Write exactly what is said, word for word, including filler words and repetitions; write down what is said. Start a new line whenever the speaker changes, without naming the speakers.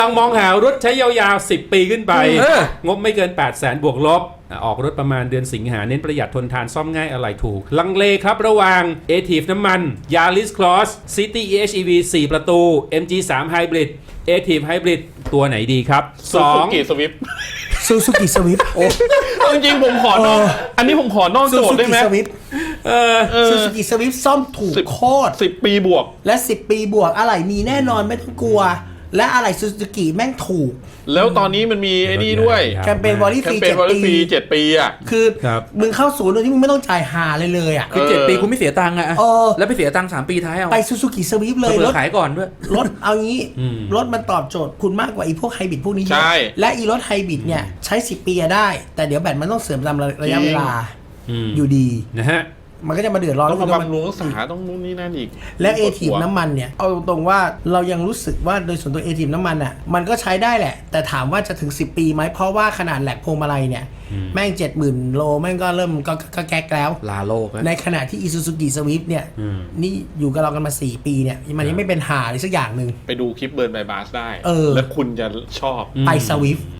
ลองมองหารถใช้ยาวๆสิบปีขึ้นไปงบไม่เกิน แปดแสน บวกลบออกรถประมาณเดือนสิงหาเน้นประหยัดทนทานซ่อมง่ายอะไรถูกลังเลครับระหว่าง เอ ที ไอ วี น้ำมัน Yaris Cross City อี เอช อี วี สี่ ประตู เอ็ม จี สาม Hybrid เอ ที ไอ วี Hybrid ตัวไหนดีครับสอง
Suzuki Swift
ซูซูกิสวิฟโอ้
จริงๆผมขอนอกอันนี้ผมขอนอก
ซู
โจท
ซู
ย์ได้
กิ
ไหม
สวิฟ
เออ
ซูซูกิสวิฟซ่อมถูก
สิบ
โคตร
สิบปีบวก
และสิบปีบวกอะไรมีแน่นอนไม่ต้องกลัว และอะไรซูซูกิแม่งถูก
แล้วตอนนี้มันมีไอ้นี่ด้วย
แคมเปญวอลลี่
แค
ฟรี
มเปญ
เจ็ด
วอลเล
ปี
ฟรีเจ็ดปีอ่ะ
คือ
ครับ
มึงเข้าศูนย์โดยที่มึงไม่ต้องจ่ายหาเลยเลยอ่ะ
คือเจ็ดปีคุณไม่เสียตังค์อะ
เออ
แล้วไปเสียตังค์สามปีท้ายเอา
ไปซูซูกิสวิฟเลย
เผื่
ร
อ
ถ
ขายก่อนด้วย
รถเอางี้รถมันตอบโจทย์คุณมากกว่าอีพวกไฮบริดพวกนี้เย
ใช่
อะและอีรถไฮบริดเนี่ยใช้สิบปีอะได้ แต่เดี๋ยวแบตมันต้องเสื่อมตามระยะเวลา
อืม
อยู่ดี
นะฮะ
มันก็จะมาเดือดร้อน
ต้องมา
แล้ว
บำรุงรักษาต้องนู่นนี่นั่นอีก
แล้วเอทีฟน้ำมันเนี่ยเอาตรงๆว่าเรายังรู้สึกว่าโดยส่วนตัวเอทีฟน้ำมันอ่ะมันก็ใช้ได้แหละ แต่ถามว่าจะถึงสิบปีไหมเพราะว่าขนาดแหลกพวงมาลัยเนี่ยแม่งเจ็ดหมื่นโลแม่งก็เริ่มก็ก็แก๊กแล้ว
ลาโลกนะ
ในขณะที่ Isuzu Swift เนี่ยนี่อยู่กับเรากันมาสี่ปีเนี่ยมันยังไม่เป็นหาเลยสักอย่างหนึ่ง
ไปดูคลิปเบิร์นไบบัสได้
เออ
แล้วคุณจะชอบ
ไป Swift